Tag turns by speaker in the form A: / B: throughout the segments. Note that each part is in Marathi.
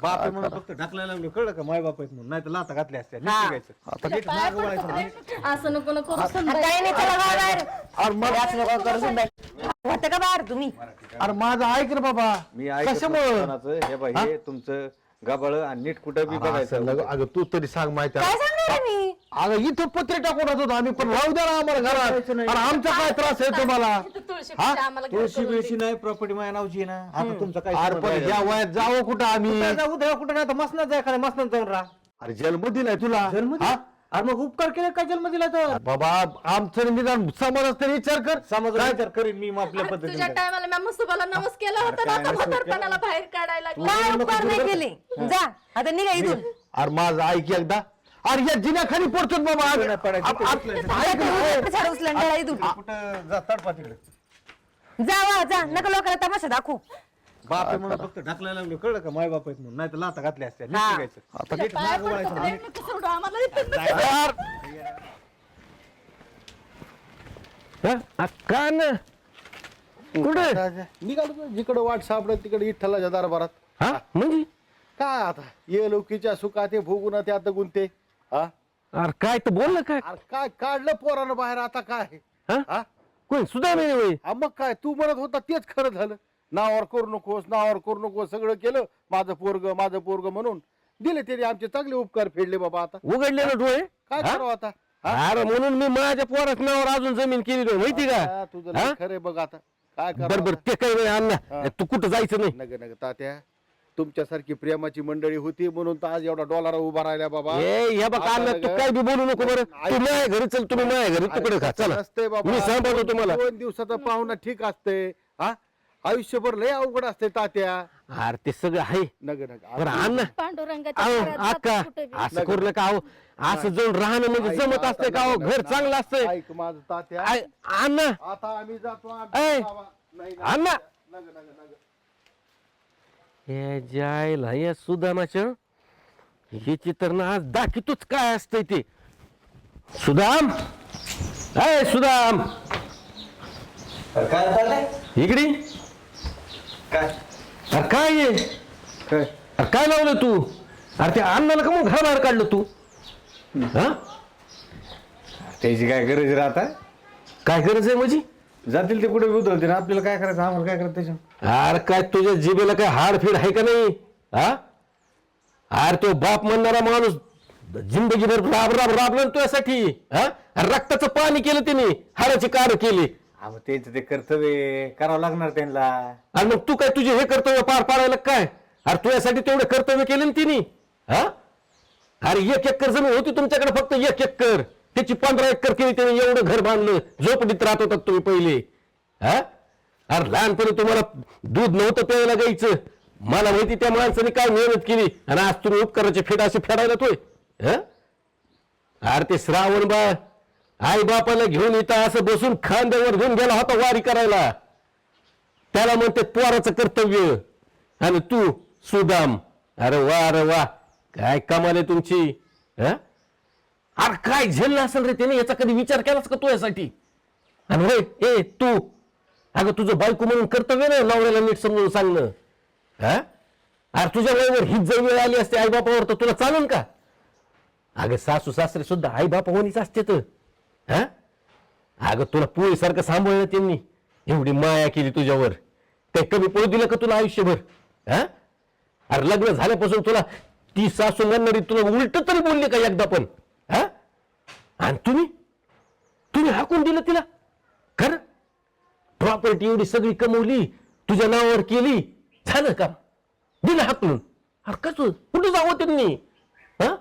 A: बाप आहे म्हणून फक्त ढकलायला लागलो, कळलं का? माय बाप आहेत म्हणून, नाही तर लाता घातल्या असत्या. नीट
B: हा.
A: निघायचं. नीट मागं वळायचं नाही.
C: असं नको नको
B: काही नाही, चला बाहेर. असं नका करू सुनबाई. होतं का बाहेर तुम्ही?
D: अरे माझं ऐक रे बाबा.
A: मी ऐकत
D: कशामुळं?
A: नसतानाचं हे बाई हे तुमचं गबाळ आणि नीट कुठं बी बघायचं.
D: अगं तू तरी सांग माहिती
B: काय सांगणार मी?
D: अगं इथं पत्रे टाकून राहत होतो आम्ही, पण राहू द्या ना आम्हाला घरात. अरे आमचा काय त्रास आहे तुम्हाला?
A: तुळशी बिळशी नाही, प्रॉपर्टी माझ्या नावची आहे ना. आता तुमचं काय
D: अरे
A: संबंध
D: पण
A: आहे?
D: या वयात जावं कुठं आम्ही?
A: उद्या कुठं नाही तर मसनात जाय, खरं मसनात जाऊन राहा.
D: अरे जन्म दिलाय तुला.
A: जन्म
D: हा?
A: अरे मग उपकार केले काय जन्म दिला तर?
D: बाबा आमचं निदान समाजात तरी विचार कर.
A: समाज विचार करीन मी आपल्या
C: तुझ्या
A: पद्धतीने.
C: टायमाला मी मस्तुबाला नमस केला होता ना, आता म्हातारपणाला बाहेर काढायला लागला.
B: काय उपकार नाही केले? जा आता निघा इथून.
D: अरे माझं ऐक एकदा. अरे या जिन्याखाली पडतो बाबा.
A: नाही पडायचं.
D: आप- आप- ऐक ना, हो.
B: झाड उचलून ठेवा इथून.
A: कुठं जा तडपा तिकडे.
B: जा जा, नका लोकांना तमाशा दाखवू.
A: बाप आहे म्हणून फक्त ढकलायला लागलो, कळलं का? माय बाप आहेत म्हणून, नाही तर लाता घातल्या असत्या. नीट
B: हा.
A: निघायचं. नीट मागं वळायचं नाही.
C: सोडू आम्हाला इथून.
D: कान कुठे
E: निघालो तो जिकडं वाट सापडत तिकडे विठ्ठलाच्या दरबारात.
D: हा म्हणजे
E: काय आता ये लौकीच्या सुखात ते भोगून ते आता गुंते. हा
D: अरे काय तर बोल ना काय
E: अरे काय काढलं पोरानं बाहेर आता काय?
D: हा?
E: हा?
D: कोण सुद्धा नाही होय.
E: हा मग काय तू म्हणत होता तेच खरं झालं. नावावर करू नकोस, नावावर करू नकोस, सगळं केलं. माझं पोरग म्हणून दिले तरी आमचे चांगले उपकार फेडले बाबा. आता
D: उघडले ना डोळे.
E: काय
D: हा?
E: करावं आता?
D: अरे म्हणून मी माझ्या पोराच नावावर अजून जमीन केली नाही माहिती
E: हा,
D: का?
E: तुझं
D: हा?
E: लय खरंय बघ आता. काय
D: बर
E: करावं
D: बर
E: आता?
D: ते काही नाही
E: हा.
D: अण्णा, तू कुठं जायचं नाही.
E: नग नग तात्या, तुमच्यासारखी प्रेमाची मंडळी होती म्हणून तर आज एवढा डॉलर उभा राहिला बाबा.
D: हे बघ
E: आता
D: अण्णा, तू
E: नग-
D: काय बी बोलू नको बरं. तू माझ्या घरी चल, तुम्ही माझ्या घरी तिकडे खा. चला
E: नसते बाबा.
D: मी सांभाळतो तुम्हाला.
E: 2 दिवसाचा पाहुणा ठीक असते. हा आयुष्यभर लय अवघड असते तात्या.
D: अरे ते सगळं आहे.
E: नग नग
D: बरं अण्णा,
C: पांडुरंगाच्या
D: अहो
C: घरात जातो
D: अक्का
C: कुठे बी.
D: असं करू नका. अहो असं जाऊन राहणं म्हणजे जमत असतंय का? अहो घर चांगलं असतंय.
E: ऐक माझं तात्या.
D: अण्णा
E: आता आम्ही जातो
D: ऐ,
E: बाबा. नाही, नाही.
D: अण्णा
E: नग नग नग.
D: हे जायला या सुदामाच्या हे तर ना आज दाखवतोच काय असतंय ते. सुदाम, अय सुदाम
A: अरे काय चाललंय?
D: इकडे.
A: काय
D: अरे काय आहे?
A: काय
D: अरे काय लावलं तू? अरे ते अण्णाला का मग घराबाहेर काढलं तू? हा
A: त्याची काय गरज राहता?
D: काय गरज आहे माझी?
A: जातील ते कुठे उधळतील, आपल्याला काय करायचं? आम्हाला काय करायचं त्याच्या?
D: अरे काय तुझ्या जिभेला काय हाडफीड आहे का नाही? हा अरे तो बाप म्हणणारा माणूस जिंदगीभर राब राब राबला ना तुझ्यासाठी. हा अरे रक्ताचं पाणी केलं त्याने, हाडाची कार केली.
A: मग त्यांचं ते कर्तव्य करावं लागणार त्यांना.
D: आणि मग तू काय तुझे हे कर्तव्य पार पाडायला काय? अरे तुझ्यासाठी तेवढे कर्तव्य केले ना तिने. हा अरे 1 एकर जमीन होती तुमच्याकडे, फक्त 1 एकर. त्याची 15 एकर केली त्याने. एवढं घर बांधलं. झोपडीत राहत होतात तुम्ही पहिले. हा अरे लहानपणी तुम्हाला दूध नव्हतं प्यायला गायचं. मला माहिती त्या माणसाने काय मेहनत केली, आणि आज तुम्ही उपकाराचे फेड असे फेडायला तोय. हा अरे ते श्रावण बा आई बापाला घेऊन इथं असं बसून खांद्यावर घेऊन गेला होता वारी करायला. त्याला म्हणते पोराचं कर्तव्य. आणि तू सुदाम, अरे वा अरे वा, काय कमाल आहे तुमची. हा अरे काय झेललं असेल रे त्याने, याचा कधी विचार केलास का तुझ्यासाठी? आणि होय ए तू, अगं तुझं बायको म्हणून कर्तव्य ना नवऱ्याला नीट समजून सांगणं. हा अरे तुझ्या वेळेवर हीच जर वेळ आली असते आईबापावर तर तुला चालेल का? अगं सासू सासरे सुद्धा आईबापा होणीच असते तर. हा अगं तुला पोळीसारखं सांभाळलं त्यांनी, एवढी माया केली तुझ्यावर. ते कमी पडू दिलं का तुला आयुष्यभर? हा अरे लग्न झाल्यापासून तुला ती सासू म्हणणारी तुला उलट तरी बोलली का एकदा पण? हा आणि तुम्ही हाकून दिलं तिला. खरं प्रॉपर्टी एवढी सगळी कमवली, तुझ्या नावावर केली, झालं का? दिलं हाकलून. अरे कसं कुठे जावं त्यांनी? हा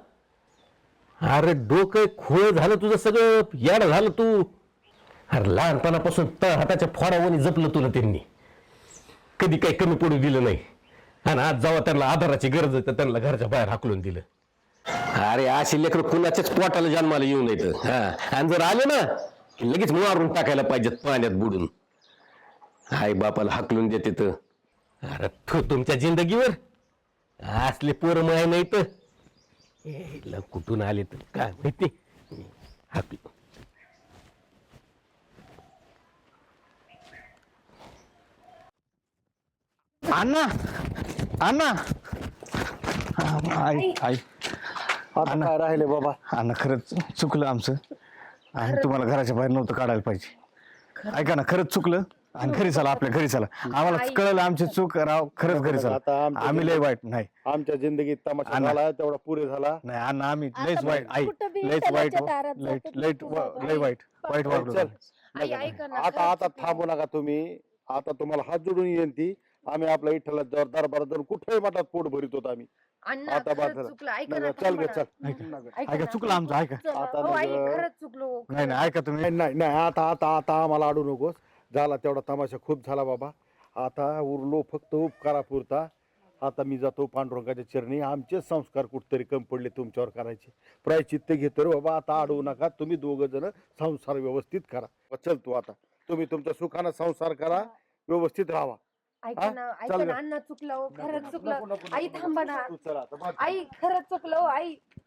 D: अरे डोकं खोळ झालं तुझं, सगळं याड झालं तू. अरे लहानपणापासून हाताच्या फोडावणी जपलं तुला त्यांनी, कधी काही कमी पडू दिलं नाही. आणि आज जेव्हा त्यांना आधाराची गरज आहे तर त्यांना घरच्या बाहेर हाकलून दिलं. अरे अशी लेकरं कुणाच्याच पोटाला जन्माला येऊ नयेत. हा आणि जर आले ना लगेच मारून टाकायला पाहिजेत पाण्यात बुडून. आई बापाला हाकलून देते तर. अरे तो तुमच्या जिंदगीवर असले पोरं माय नाही तर कुठून आले तर काय माहिती. हाकलं
A: अण्णा, अण्णा
F: आई आई
E: आता काय राहिले बाबा?
F: अण्णा खरंच चुकलं आमचं आणि तुम्हाला घराच्या बाहेर नव्हतं काढायला पाहिजे. ऐका ना, खरंच चुकलं आणि घरी चला, आपल्या घरी चला. आम्हाला कळलं आमची चूक, राव खरंच घरी चला.
E: आता
F: आम्ही लय वाईट नाही
E: आमच्या जिंदगीत तमाशा
F: अण्णा.
E: झाला तेवढा पुरे झाला.
F: नाही अण्णा, आम्ही
C: आता
F: लयच वाईट
C: बघ,
F: आई,
C: कुठं बी
F: लयच वाईट
C: त्याच्या दारात जातो,
F: लय वाईट वागलो.
E: चल.
C: आई ऐका ना,
E: आता आता थांबू नका तुम्ही. आता तुम्हाला हात जोडून येईन ती. आम्ही आपल्या इठ्ठला दरबार जाऊन कुठेही मठात पोट भरित होतो आम्ही.
B: अण्णा
E: आता बाद
B: खरंच
E: झालं.
B: चुकलं, ऐका
E: नाही,
B: ना,
E: चल गे
B: थांबा
E: चल.
B: ना.
F: ऐका चुकलं आमचं, ऐका.
E: आता
B: हो, आई
E: नाही ग.
B: खरंच चुकलो.
F: नाही नाही, ऐका तुम्ही.
E: नाही नाही, आता आता आता आम्हाला अडू नकोस. झाला तेवढा तमाशा खूप झाला बाबा. आता उरलो फक्त उपकारापुरता. आता मी जातो पांडुरंगाच्या चरणी. आमचे संस्कार कुठतरी कमी पडले तुमच्यावर करायचे. प्रायचित्त घेतो रे बाबा. आता अडवू नका. तुम्ही दोघ जण संसार व्यवस्थित करा. चल तू आता. तुम्ही तुमच्या सुखानं संसार करा, व्यवस्थित राहा.
B: ऐका ना, ऐका
E: चल
B: ना,
E: ग.
B: अण्णा चुकलं, खरंच चुकलं. आई थांबा ना.
E: तू चल आता.
B: आई खरंच चुकलं, आई